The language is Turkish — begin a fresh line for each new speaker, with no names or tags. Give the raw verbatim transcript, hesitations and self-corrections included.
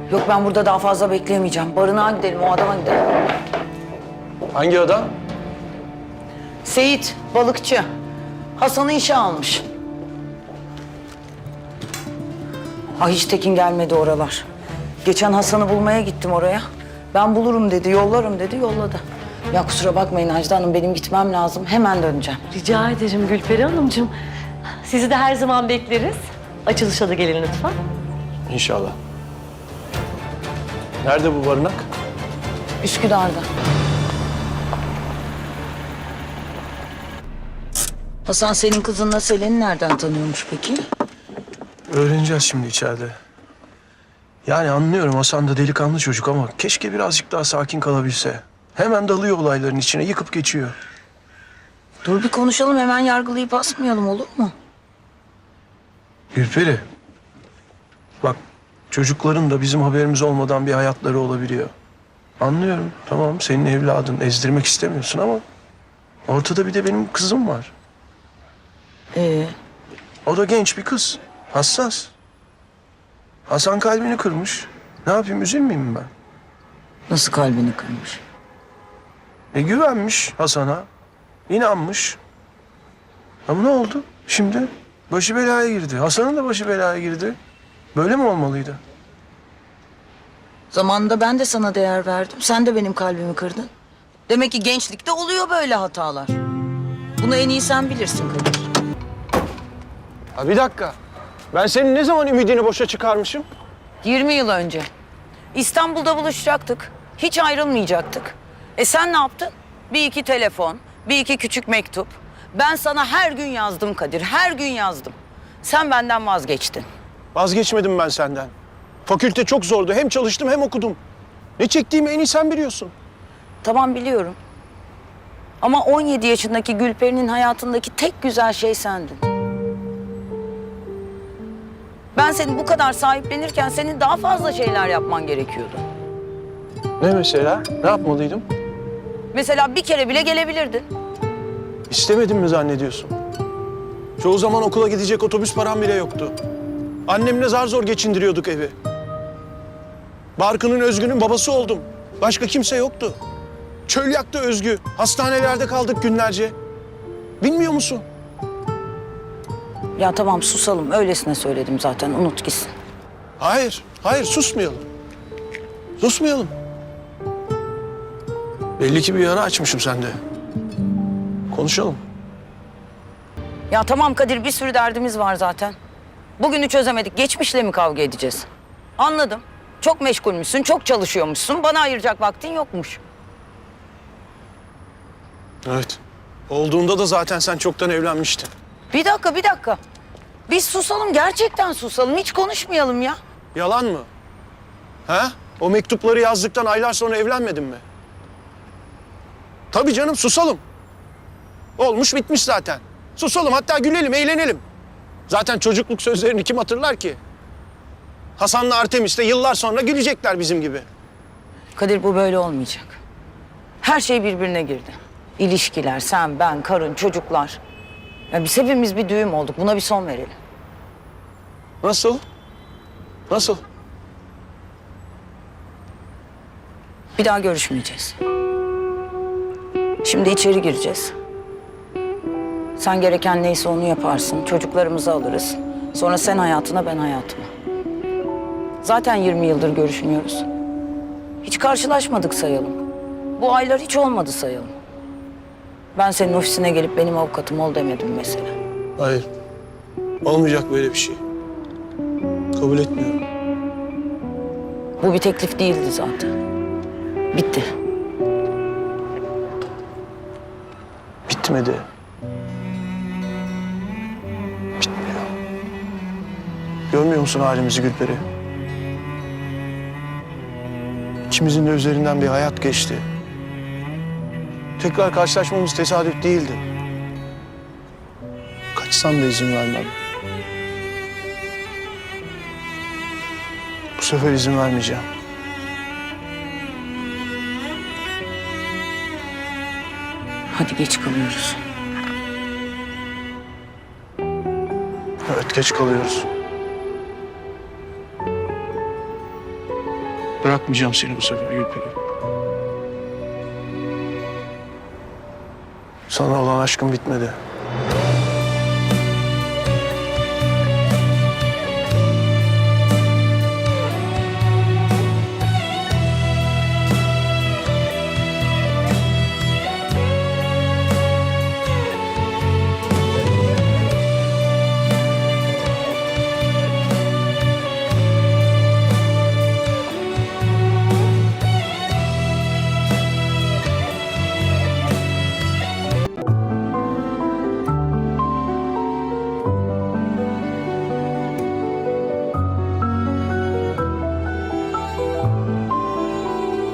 Yok ben burada daha fazla bekleyemeyeceğim. Barınağa gidelim, o adama gidelim.
Hangi adam?
Seyit, balıkçı. Hasan'ı işe almış. Ah hiç Tekin gelmedi oralar. Geçen Hasan'ı bulmaya gittim oraya. Ben bulurum dedi, yollarım dedi, yolladı. Ya kusura bakmayın Ajda Hanım, benim gitmem lazım. Hemen döneceğim.
Rica ederim Gülperi Hanımcığım. Sizi de her zaman bekleriz. Açılışa da gelin lütfen.
İnşallah. Nerede bu barınak?
Üsküdar'da. Hasan senin kızınla Selen'i nereden tanıyormuş peki?
Öğreneceğiz şimdi içeride. Yani anlıyorum, Hasan da delikanlı çocuk ama keşke birazcık daha sakin kalabilse. Hemen dalıyor olayların içine, yıkıp geçiyor.
Dur bir konuşalım, hemen yargılayıp asmayalım, olur mu?
Gülperi, bak çocukların da bizim haberimiz olmadan bir hayatları olabiliyor. Anlıyorum, tamam senin evladın, ezdirmek istemiyorsun ama ortada bir de benim kızım var.
Ee,
O da genç bir kız, hassas. Hasan kalbini kırmış. Ne yapayım, üzülmeyeyim mi ben?
nasıl kalbini kırmış?
E güvenmiş Hasan'a, inanmış. Ama ne oldu şimdi? Başı belaya girdi. Hasan'ın da başı belaya girdi. Böyle mi olmalıydı?
Zamanında ben de sana değer verdim. Sen de benim kalbimi kırdın. Demek ki gençlikte oluyor böyle hatalar. Bunu en iyi sen bilirsin Kadir.
Ha bir dakika. Ben senin ne zaman ümidini boşa çıkarmışım?
yirmi yıl önce. İstanbul'da buluşacaktık. Hiç ayrılmayacaktık. E sen ne yaptın? Bir iki telefon, bir iki küçük mektup. Ben sana her gün yazdım Kadir, her gün yazdım. Sen benden vazgeçtin.
Vazgeçmedim ben senden. Fakülte çok zordu. Hem çalıştım hem okudum. Ne çektiğimi en iyi sen biliyorsun.
Tamam biliyorum. Ama on yedi yaşındaki Gülperi'nin hayatındaki tek güzel şey sendin. Ben seni bu kadar sahiplenirken senin daha fazla şeyler yapman gerekiyordu.
Ne mesela? Ne yapmalıydım?
Mesela bir kere bile gelebilirdin.
İstemedim mi zannediyorsun? Çoğu zaman okula gidecek otobüs param bile yoktu. Annemle zar zor geçindiriyorduk evi. Barkın'ın, Özgü'nün babası oldum. Başka kimse yoktu. Çöl yaktı Özgü. Hastanelerde kaldık günlerce. Bilmiyor musun?
Ya tamam susalım, öylesine söyledim zaten, unut gitsin.
Hayır, hayır susmayalım. Susmayalım. Belli ki bir yara açmışım sende. Konuşalım.
Ya tamam Kadir, bir sürü derdimiz var zaten. Bugünü çözemedik, geçmişle mi kavga edeceğiz? Anladım. Çok meşgulmüşsün, çok çalışıyormuşsun. Bana ayıracak vaktin yokmuş.
Evet. Olduğunda da zaten sen çoktan evlenmiştin.
Bir dakika, bir dakika. Biz susalım, gerçekten susalım. Hiç konuşmayalım ya.
Yalan mı? Ha? O mektupları yazdıktan aylar sonra evlenmedin mi? Tabii canım, susalım. Olmuş bitmiş zaten. Susalım, hatta gülelim, eğlenelim. Zaten çocukluk sözlerini kim hatırlar ki? Hasan'la Artemis de yıllar sonra gülecekler bizim gibi.
Kadir bu böyle olmayacak. Her şey birbirine girdi. İlişkiler, sen, ben, karın, çocuklar. Ya biz hepimiz bir düğüm olduk. Buna bir son verelim.
Nasıl? Nasıl?
Bir daha görüşmeyeceğiz. Şimdi içeri gireceğiz. Sen gereken neyse onu yaparsın. Çocuklarımızı alırız. Sonra sen hayatına, ben hayatıma. Zaten yirmi yıldır görüşmüyoruz. Hiç karşılaşmadık sayalım. Bu aylar hiç olmadı sayalım. Ben senin ofisine gelip benim avukatım ol demedim mesela.
Hayır. Olmayacak böyle bir şey. Kabul etmiyorum.
Bu bir teklif değildi zaten. Bitti.
Bitmedi. Bitmiyor. Görmüyor musun halimizi Gülperi? İkimizin de üzerinden bir hayat geçti. Tekrar karşılaşmamız tesadüf değildi. Kaçsam da izin vermem. Bu sefer izin vermeyeceğim.
Hadi geç kalıyoruz.
Evet, geç kalıyoruz. Bırakmayacağım seni bu sefer Gülperi. Sana olan aşkım bitmedi.